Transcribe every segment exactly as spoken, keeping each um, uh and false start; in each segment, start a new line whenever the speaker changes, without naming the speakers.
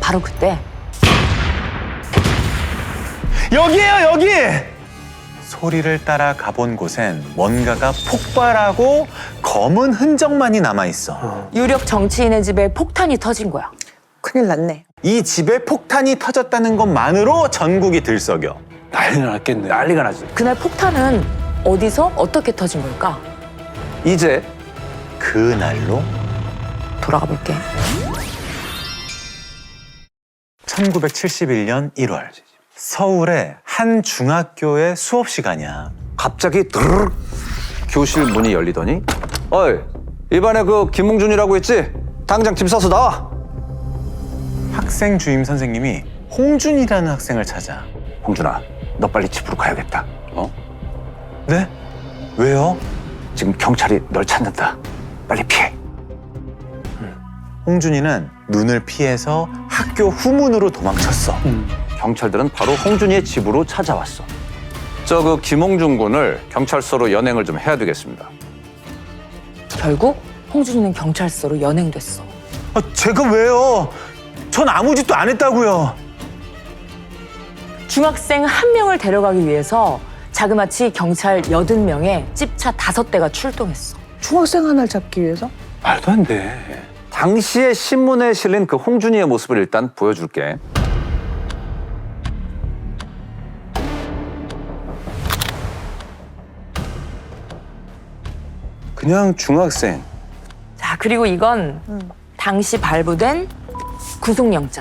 바로 그때
여기에요, 여기! 소리를 따라 가본 곳엔 뭔가가 폭발하고 검은 흔적만이 남아있어.
유력 정치인의 집에 폭탄이 터진 거야.
큰일 났네.
이 집에 폭탄이 터졌다는 것만으로 전국이 들썩여.
난리 났겠네.
난리가 나지.
그날 폭탄은 어디서 어떻게 터진 걸까?
이제 그날로
돌아가 볼게.
천구백칠십일 년 일월 서울의 한 중학교의 수업 시간이야.
갑자기 드르륵 교실 문이 열리더니 어이 이반에 그 김홍준이라고 있지? 당장 짐 싸서 나와.
학생 주임 선생님이 홍준이라는 학생을 찾아.
홍준아 너 빨리 집으로 가야겠다. 어?
네? 왜요?
지금 경찰이 널 찾는다. 빨리 피해.
홍준이는 눈을 피해서 학교 후문으로 도망쳤어.
경찰들은 바로 홍준이의 집으로 찾아왔어. 저 그 김홍준 군을 경찰서로 연행을 좀 해야 되겠습니다.
결국 홍준이는 경찰서로 연행됐어.
아, 제가 왜요? 전 아무 짓도 안 했다고요.
중학생 한 명을 데려가기 위해서 자그마치 경찰 여든 명에 찝차 다섯 대가 출동했어.
중학생 하나를 잡기 위해서?
말도 안 돼.
당시에 신문에 실린 그 홍준이의 모습을 일단 보여줄게.
그냥 중학생.
자, 그리고 이건 당시 발부된 구속영장.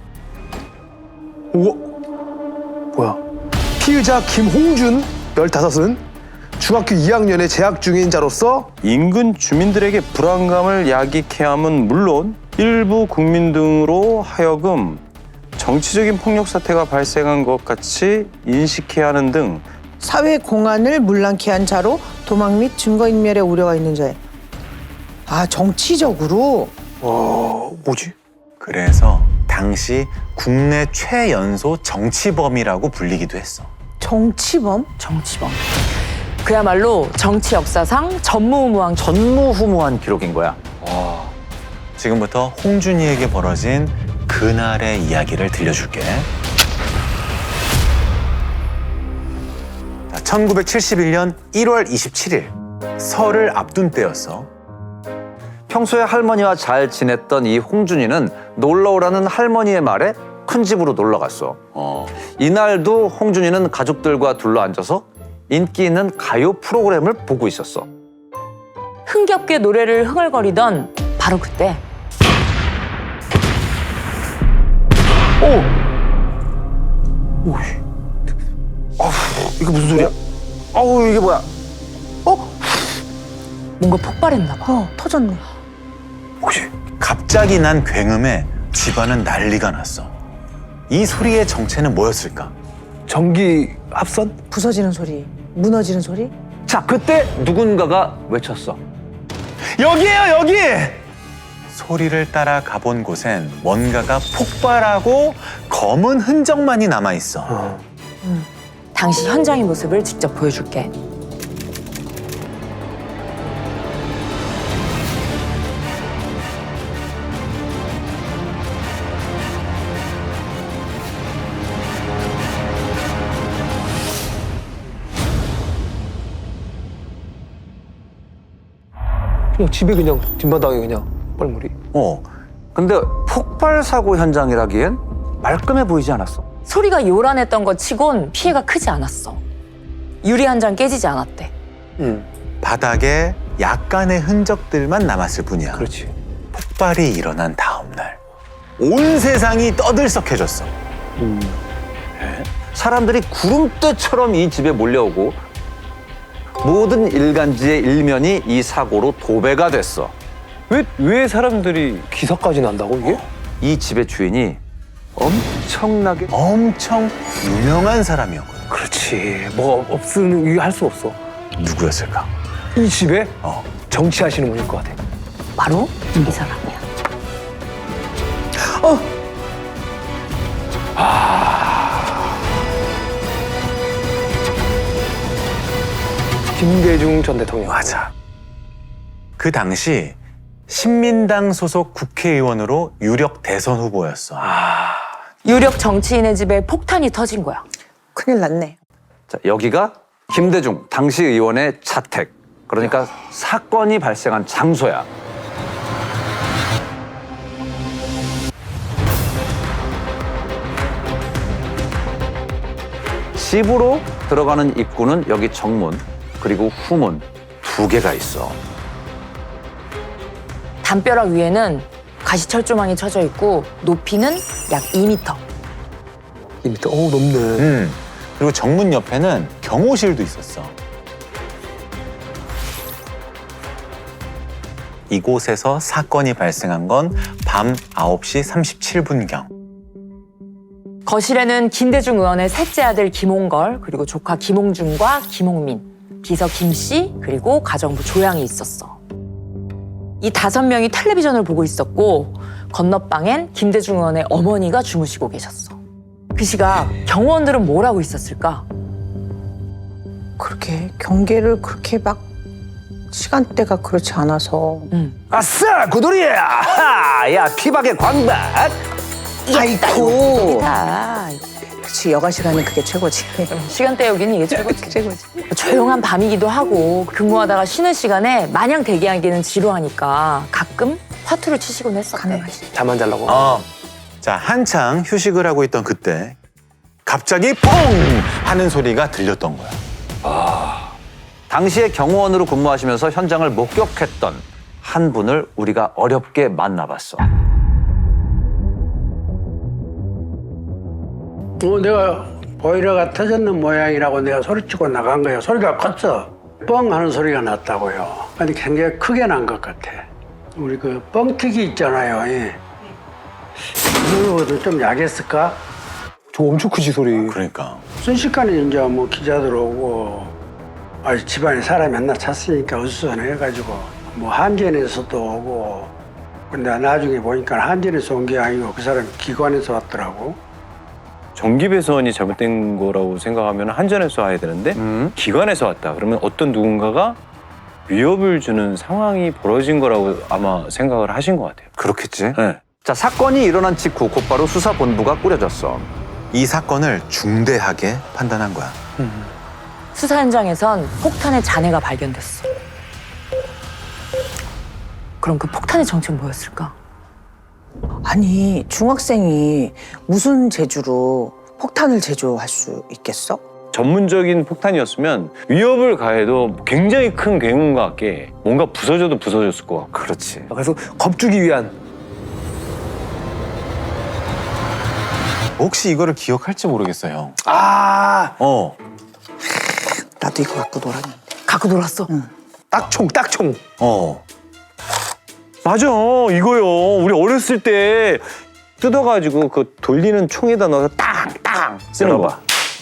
우와, 뭐야? 피의자 김홍준, 열다섯은 중학교 이 학년에 재학 중인 자로서
인근 주민들에게 불안감을 야기케 함은 물론 일부 국민 등으로 하여금 정치적인 폭력 사태가 발생한 것 같이 인식해야 하는 등
사회 공안을 문란케 한 자로 도망 및 증거인멸의 우려가 있는 자에. 아, 정치적으로?
와, 뭐지?
그래서 당시 국내 최연소 정치범이라고 불리기도 했어.
정치범?
정치범. 그야말로 정치 역사상 전무후무한
전무후무한 기록인 거야.
지금부터 홍준이에게 벌어진 그날의 이야기를 들려줄게. 자, 천구백칠십일 년 일월 이십칠일 설을 앞둔 때였어.
평소에 할머니와 잘 지냈던 이 홍준이는 놀러 오라는 할머니의 말에 큰 집으로 놀러 갔어.
어.
이날도 홍준이는 가족들과 둘러앉아서 인기 있는 가요 프로그램을 보고 있었어.
흥겹게 노래를 흥얼거리던 바로 그때
이거 무슨 소리야?
어우 이게 뭐야?
뭔가 폭발했나 봐.
어, 터졌네.
혹시 갑자기 난 굉음에 집안은 난리가 났어. 이 소리의 정체는 뭐였을까?
전기 합선?
부서지는 소리, 무너지는 소리?
자 그때 누군가가 외쳤어.
여기에요, 여기! 소리를 따라 가본 곳엔 뭔가가 폭발하고 검은 흔적만이 남아있어.
당시 현장의 모습을 직접 보여줄게.
그냥 집에 그냥 뒷마당에 그냥 뻘물이.
어,
근데 폭발 사고 현장이라기엔 말끔해 보이지 않았어.
소리가 요란했던 것 치곤 피해가 크지 않았어. 유리 한 장 깨지지 않았대.
응,
바닥에 약간의 흔적들만 남았을 뿐이야.
그렇지.
폭발이 일어난 다음 날, 온 세상이 떠들썩해졌어.
사람들이 구름대처럼 이 집에 몰려오고 모든 일간지의 일면이 이 사고로 도배가 됐어.
왜, 왜 사람들이 기사까지 난다고, 이게?
이 집의 주인이 엄청나게
엄청 유명한 사람이었거든.
그렇지. 뭐가 없으면 이게 할 수 없어.
누구였을까?
이 집에
어,
정치하시는 분일 것 같아.
바로 이 사람이야.
김대중 전 대통령.
맞아. 그 당시 신민당 소속 국회의원으로 유력 대선 후보였어.
유력 정치인의 집에 폭탄이 터진 거야.
큰일 났네.
자, 여기가 김대중 당시 의원의 자택. 그러니까 사건이 발생한 장소야. 집으로 들어가는 입구는 여기 정문, 그리고 후문 두 개가 있어.
담벼락 위에는 가시철조망이 쳐져 있고 높이는 약 이 미터.
이 미터. 오, 높네.
음. 그리고 정문 옆에는 경호실도 있었어. 이곳에서 사건이 발생한 건 밤 아홉 시 삼십칠 분경.
거실에는 김대중 의원의 셋째 아들 김홍걸, 그리고 조카 김홍준과 김홍민, 비서 김씨, 그리고 가정부 조양이 있었어. 이 다섯 명이 텔레비전을 보고 있었고 건너방엔 김대중 의원의 어머니가 주무시고 계셨어. 그 시각 경호원들은 뭘 하고 있었을까?
그렇게 경계를 그렇게 막 시간대가 그렇지 않아서.
음.
아싸 구돌이야! 하! 야 피박의 광박!
아이고.
다
그렇지, 여가 시간은 그게 최고지.
시간 때우기는 이게 최고지.
최고지.
조용한 밤이기도 하고 근무하다가 쉬는 시간에 마냥 대기하기는 지루하니까 가끔 화투를 치시곤 했었대.
가능하지.
잠안 자려고.
어. 자, 한창 휴식을 하고 있던 그때 갑자기 퐁! 하는 소리가 들렸던 거야.
당시에 경호원으로 근무하시면서 현장을 목격했던 한 분을 우리가 어렵게 만나봤어.
어, 내가 보일러가 터졌는 모양이라고 내가 소리치고 나간 거예요. 소리가 컸어. 뻥 하는 소리가 났다고요. 근데 굉장히 크게 난 것 같아. 우리 그 뻥튀기 있잖아요. 예. 이거보다 좀 약했을까?
저 엄청 크지, 소리.
그러니까.
순식간에 이제 뭐 기자들 오고, 아, 집안에 사람이 하나 찼으니까 어수선해가지고, 뭐 한전에서도 오고, 근데 나중에 보니까 한전에서 온 게 아니고 그 사람이 기관에서 왔더라고.
전기 배선이 잘못된 거라고 생각하면 한전에서 와야 되는데
음.
기관에서 왔다. 그러면 어떤 누군가가 위협을 주는 상황이 벌어진 거라고 아마 생각을 하신 것 같아요.
그렇겠지.
네.
자, 사건이 일어난 직후 곧바로 수사본부가 꾸려졌어.
이 사건을 중대하게 판단한 거야.
수사 현장에선 폭탄의 잔해가 발견됐어. 그럼 그 폭탄의 정체는 뭐였을까?
아니, 중학생이 무슨 재주로 폭탄을 제조할 수 있겠어?
전문적인 폭탄이었으면 위협을 가해도 굉장히 큰 괴물과 같게 뭔가 부서져도 부서졌을 것 같고.
그렇지.
그래서 겁주기 위한.
혹시 이거를 기억할지 모르겠어, 형.
아,
어.
나도 이거 갖고 놀았는데.
갖고 놀았어.
딱총, 딱총.
어.
맞아, 이거요. 우리 어렸을 때 뜯어가지고 그 돌리는 총에다 넣어서 땅땅 쓰는 거.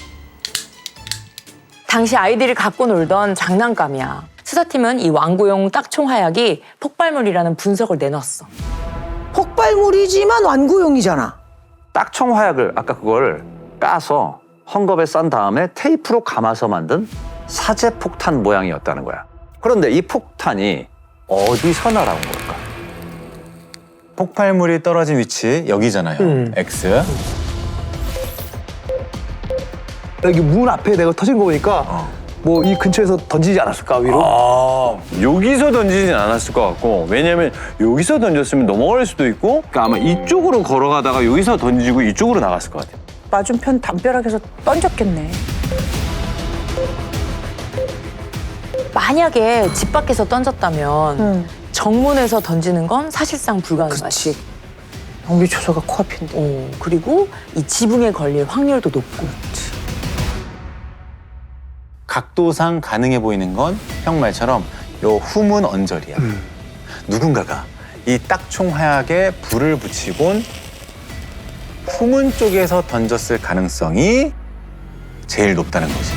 당시 아이들이 갖고 놀던 장난감이야. 수사팀은 이 완구용 딱총 화약이 폭발물이라는 분석을 내놨어.
폭발물이지만 완구용이잖아.
딱총 화약을 아까 그걸 까서 헝겊에 싼 다음에 테이프로 감아서 만든 사제 폭탄 모양이었다는 거야. 그런데 이 폭탄이 어디서 날아온 걸까?
폭발물이 떨어진 위치 여기잖아요.
음.
X.
여기 문 앞에 내가 터진 거 보니까 뭐 이 근처에서 던지지 않았을까, 위로?
아, 여기서 던지진 않았을 것 같고, 왜냐면 여기서 던졌으면 넘어갈 수도 있고, 그러니까 아마 이쪽으로 걸어가다가 여기서 던지고 이쪽으로 나갔을 것 같아요.
맞은편 담벼락에서 던졌겠네.
만약에 집 밖에서 던졌다면
응.
정문에서 던지는 건 사실상 불가능하지.
그렇지. 경비 초소가 코앞인데.
어, 그리고 이 지붕에 걸릴 확률도 높고.
각도상 가능해 보이는 건 형 말처럼 요 후문 언저리야. 누군가가 이 딱총 화약에 불을 붙이곤 후문 쪽에서 던졌을 가능성이 제일 높다는 거지.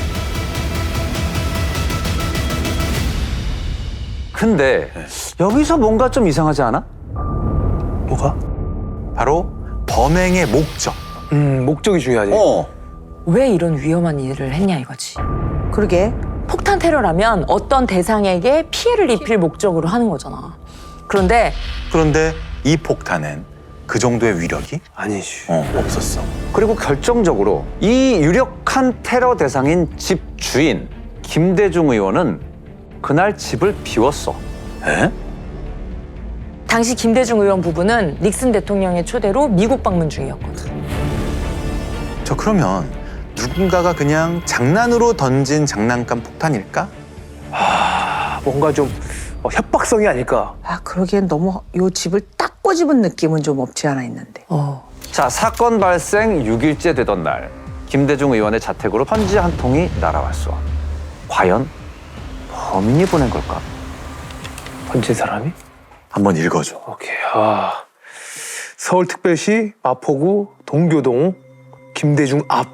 근데 여기서 뭔가 좀 이상하지 않아?
뭐가?
바로 범행의 목적.
음, 목적이 중요하지.
어.
왜 이런 위험한 일을 했냐 이거지.
그러게.
폭탄 테러라면 어떤 대상에게 피해를 입힐 목적으로 하는 거잖아. 그런데
그런데 이 폭탄엔 그 정도의 위력이
아니지.
어, 없었어.
그리고 결정적으로 이 유력한 테러 대상인 집 주인 김대중 의원은 그날 집을 비웠어.
에?
당시 김대중 의원 부부는 닉슨 대통령의 초대로 미국 방문 중이었거든.
저 그러면 누군가가 그냥 장난으로 던진 장난감 폭탄일까?
아, 뭔가 좀 어, 협박성이 아닐까.
아 그러기엔 너무 요 집을 딱 꼬집은 느낌은 좀 없지 않아 있는데.
어.
자, 사건 발생 육 일째 되던 날 김대중 의원의 자택으로 편지 한 통이 날아왔어. 과연 범인이 보낸 걸까?
번진 사람이?
한번 읽어줘.
오케이. 아, 서울특별시 마포구 동교동 김대중 앞.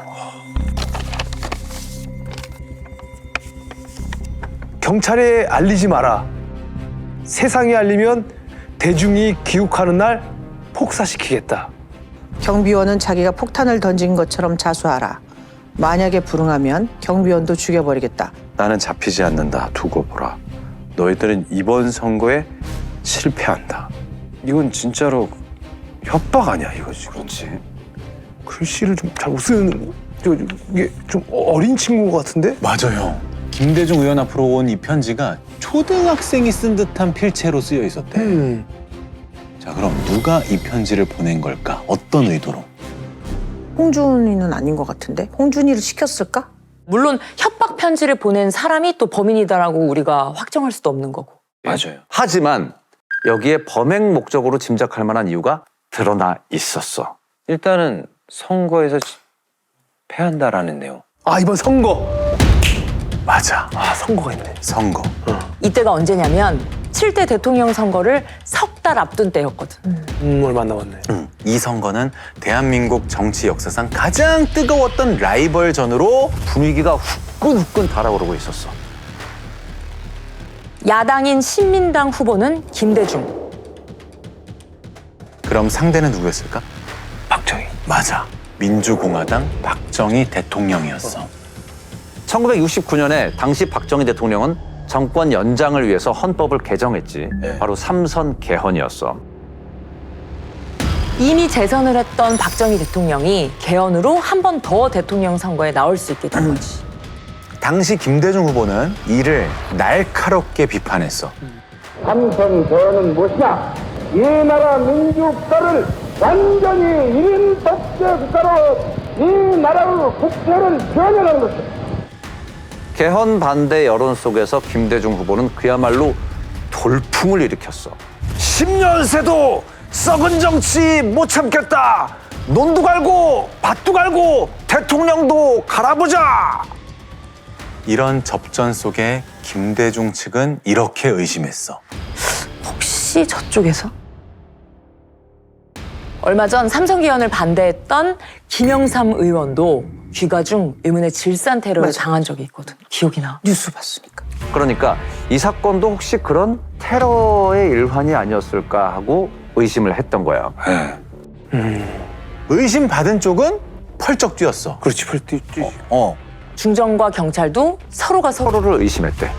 경찰에 알리지 마라. 세상에 알리면 대중이 기욱하는 날 폭사시키겠다.
경비원은 자기가 폭탄을 던진 것처럼 자수하라. 만약에 불응하면 경비원도 죽여버리겠다.
나는 잡히지 않는다. 두고 보라. 너희들은 이번 선거에 실패한다. 이건 진짜로 협박 아니야, 이거 지금. 그렇지.
글씨를 좀 잘 못 쓰는 저, 저, 이게 좀 어린 친구 같은데?
맞아요. 김대중 의원 앞으로 온 이 편지가 초등학생이 쓴 듯한 필체로 쓰여 있었대.
음.
자, 그럼 누가 이 편지를 보낸 걸까? 어떤 의도로?
홍준이는 아닌 것 같은데? 홍준이를 시켰을까?
물론 협박 편지를 보낸 사람이 또 범인이다라고 우리가 확정할 수도 없는 거고.
맞아요.
하지만 여기에 범행 목적으로 짐작할 만한 이유가 드러나 있었어.
일단은 선거에서 패한다라는 내용.
아, 이번 선거.
맞아.
아, 선거가 있네.
선거.
이때가 언제냐면 칠 대 대통령 선거를 석 달 앞둔 때였거든.
음, 얼마 안 남았네.
음, 이 선거는 대한민국 정치 역사상 가장 뜨거웠던 라이벌전으로
분위기가 후끈후끈 달아오르고 있었어.
야당인 신민당 후보는 김대중.
그럼 상대는 누구였을까?
박정희.
맞아. 민주공화당 박정희 대통령이었어.
천구백육십구 년에 당시 박정희 대통령은 정권 연장을 위해서 헌법을 개정했지.
네.
바로 삼선 개헌이었어.
이미 재선을 했던 박정희 대통령이 개헌으로 한 번 더 대통령 선거에 나올 수 있게 된 거지.
당시 김대중 후보는 이를 날카롭게 비판했어.
삼선 개헌은 무엇이냐? 이 나라 민주국가를 완전히 일인 독재 국가로 이 나라의 국태를 변형하는 것이다.
개헌 반대 여론 속에서 김대중 후보는 그야말로 돌풍을 일으켰어. 십 년 새도 썩은 정치 못 참겠다. 논도 갈고 밭도 갈고 대통령도 갈아보자.
이런 접전 속에 김대중 측은 이렇게 의심했어.
혹시 저쪽에서? 얼마 전 삼선 개헌을 반대했던 김영삼 의원도 귀가 중 의문의 질산 테러를
맞아.
당한 적이 있거든. 기억이 나.
뉴스 봤으니까.
그러니까 이 사건도 혹시 그런 테러의 일환이 아니었을까 하고 의심을 했던 거야.
의심받은 쪽은 펄쩍 뛰었어.
그렇지, 펄뛰 뛰.
어.
중정과 경찰도 서로가 서로
서로를 의심했대.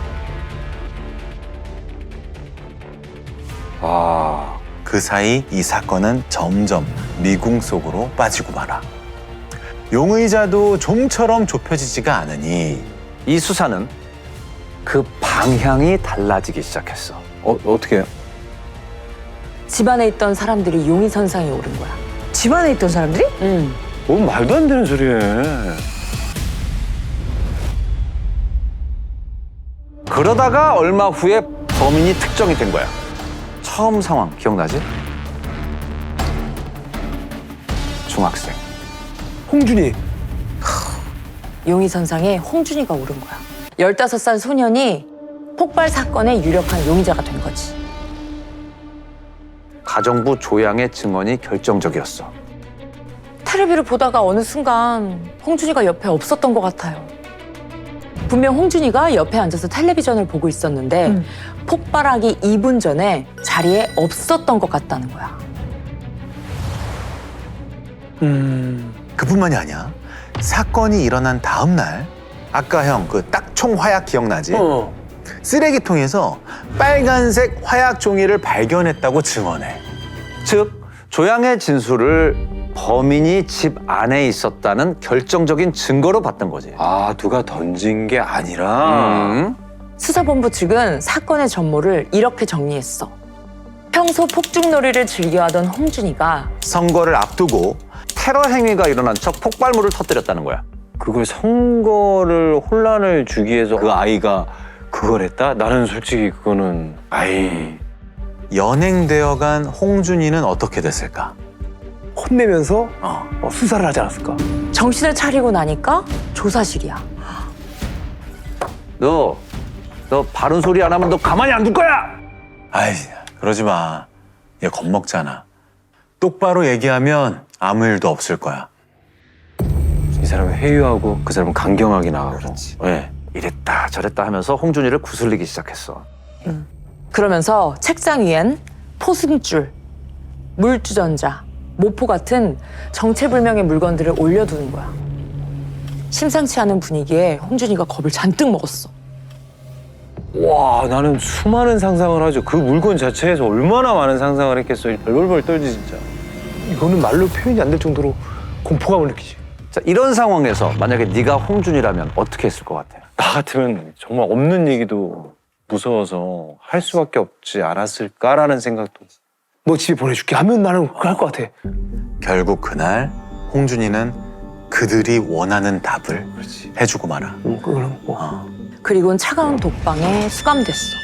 아,
그 사이 이 사건은 점점 미궁 속으로 빠지고 말아. 용의자도 좀처럼 좁혀지지가 않으니
이 수사는 그 방향이 달라지기 시작했어.
어, 어떻게 해요?
집안에 있던 사람들이 용의선상에 오른 거야.
집안에 있던 사람들이?
응.
뭔 말도 안 되는 소리해.
그러다가 얼마 후에 범인이 특정이 된 거야. 처음 상황 기억나지? 중학생.
홍준이.
용의선상에 홍준이가 오른 거야. 열다섯 살 소년이 폭발 사건의 유력한 용의자가 된 거지.
가정부 조양의 증언이 결정적이었어.
텔레비를 보다가 어느 순간 홍준이가 옆에 없었던 것 같아요. 분명 홍준이가 옆에 앉아서 텔레비전을 보고 있었는데
음.
폭발하기 이 분 전에 자리에 없었던 것 같다는 거야.
음.
그뿐만이 아니야. 사건이 일어난 다음 날 아까 형 그 딱총 화약 기억나지?
어.
쓰레기통에서 빨간색 화약 종이를 발견했다고 증언해.
즉 조양의 진술을 범인이 집 안에 있었다는 결정적인 증거로 봤던 거지.
아, 누가 던진 게 아니라.
음.
수사본부 측은 사건의 전모를 이렇게 정리했어. 평소 폭죽놀이를 즐겨하던 홍준이가
선거를 앞두고
테러 행위가 일어난 척 폭발물을 터뜨렸다는 거야.
그걸 선거를 혼란을 주기 위해서 그 아이가 그걸 했다? 나는 솔직히 그거는 아이.
연행되어간 홍준이는 어떻게 됐을까?
혼내면서
어.
어, 수사를 하지 않았을까?
정신을 차리고 나니까 조사실이야.
너, 너 바른 소리 안 하면 너 가만히 안 둘 거야!
아이, 그러지 마. 얘 겁먹잖아. 똑바로 얘기하면 아무 일도 없을 거야.
이 사람은 회유하고 그 사람은 강경하게 나가고.
그렇지.
네.
이랬다 저랬다 하면서 홍준이를 구슬리기 시작했어.
그러면서 책상 위엔 포승줄, 물주전자, 모포 같은 정체불명의 물건들을 올려두는 거야. 심상치 않은 분위기에 홍준이가 겁을 잔뜩 먹었어.
와, 나는 수많은 상상을 하죠. 그 물건 자체에서 얼마나 많은 상상을 했겠어. 벌벌 떨지 진짜.
이거는 말로 표현이 안 될 정도로 공포감을 느끼지.
자, 이런 상황에서 만약에 네가 홍준이라면 어떻게 했을 것 같아?
나 같으면 정말 없는 얘기도 무서워서 할 수밖에 없지 않았을까라는 생각도.
너 집에 보내줄게 하면 나는 그걸 할 것 같아.
결국 그날 홍준이는 그들이 원하는 답을 해주고 말아.
응, 그거는 뭐.
어.
그리고는 차가운 독방에 수감됐어.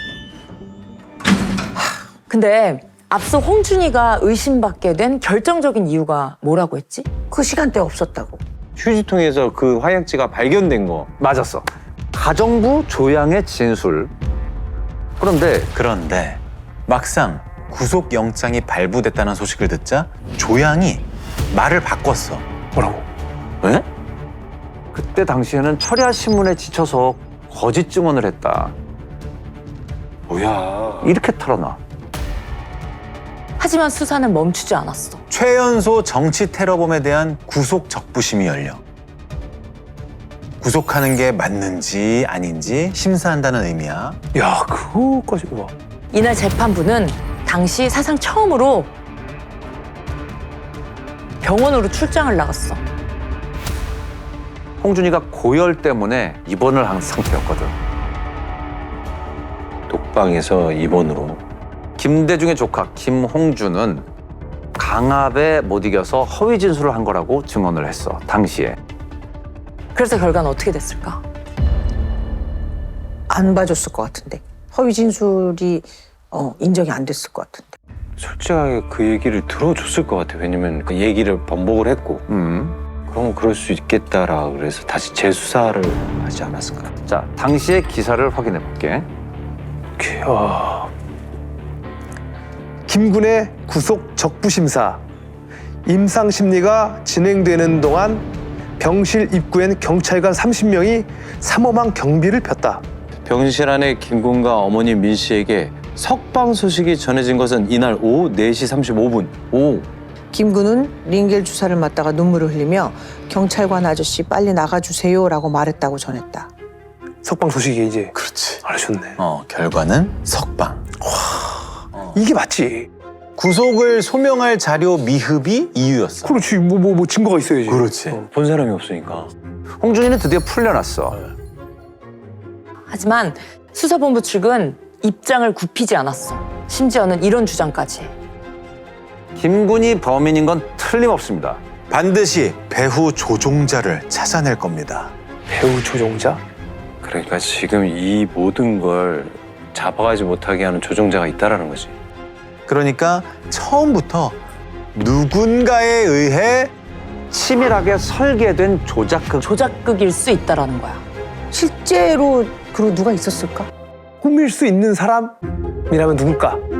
하, 근데 앞서 홍준이가 의심받게 된 결정적인 이유가 뭐라고 했지?
그 시간대 없었다고.
휴지통에서 그 화약지가 발견된 거.
맞았어. 가정부 조양의 진술. 그런데
그런데 막상 구속영장이 발부됐다는 소식을 듣자 조양이 말을 바꿨어.
뭐라고?
왜? 그때 당시에는 철야 신문에 지쳐서 거짓 증언을 했다.
뭐야.
이렇게 털어놔.
하지만 수사는 멈추지 않았어.
최연소 정치 테러범에 대한 구속 적부심이 열려. 구속하는 게 맞는지 아닌지 심사한다는 의미야.
야, 그거까지 와.
이날 재판부는 당시 사상 처음으로 병원으로 출장을 나갔어.
홍준이가 고열 때문에 입원을 한 상태였거든.
독방에서 입원으로.
김대중의 조카 김홍준은 강압에 못 이겨서 허위 진술을 한 거라고 증언을 했어. 당시에.
그래서 결과는 어떻게 됐을까?
안 봐줬을 것 같은데. 허위 진술이 어, 인정이 안 됐을 것 같은데.
솔직하게 그 얘기를 들어줬을 것 같아. 왜냐면 그 얘기를 번복을 했고.
음.
그럼 그럴 수 있겠다라 그래서 다시 재수사를 하지 않았을까.
자, 당시의 기사를 확인해 볼게.
야. 김군의 구속 적부심사. 임상 심리가 진행되는 동안 병실 입구엔 경찰관 삼십 명이 삼엄한 경비를 폈다.
병실 안에 김군과 어머니 민 씨에게 석방 소식이 전해진 것은 이날 오후 네 시 삼십오 분. 오.
김군은 링겔 주사를 맞다가 눈물을 흘리며 경찰관 아저씨 빨리 나가주세요라고 말했다고 전했다.
석방 소식이 이제
그렇지.
알아줬네.
어, 결과는 석방.
이게 맞지.
구속을 소명할 자료 미흡이 이유였어.
그렇지. 뭐 뭐 뭐 증거가 있어야지.
그렇지.
어.
본 사람이 없으니까.
홍준이는 드디어 풀려났어.
하지만 수사본부 측은 입장을 굽히지 않았어. 심지어는 이런 주장까지 해.
김군이 범인인 건 틀림없습니다.
반드시 배후 조종자를 찾아낼 겁니다.
배우 조종자?
그러니까 지금 이 모든 걸 잡아가지 못하게 하는 조종자가 있다라는 거지.
그러니까 처음부터 누군가에 의해
치밀하게 설계된 조작극.
조작극일 수 있다라는 거야.
실제로 그리고 누가 있었을까?
꾸밀 수 있는 사람이라면 누굴까?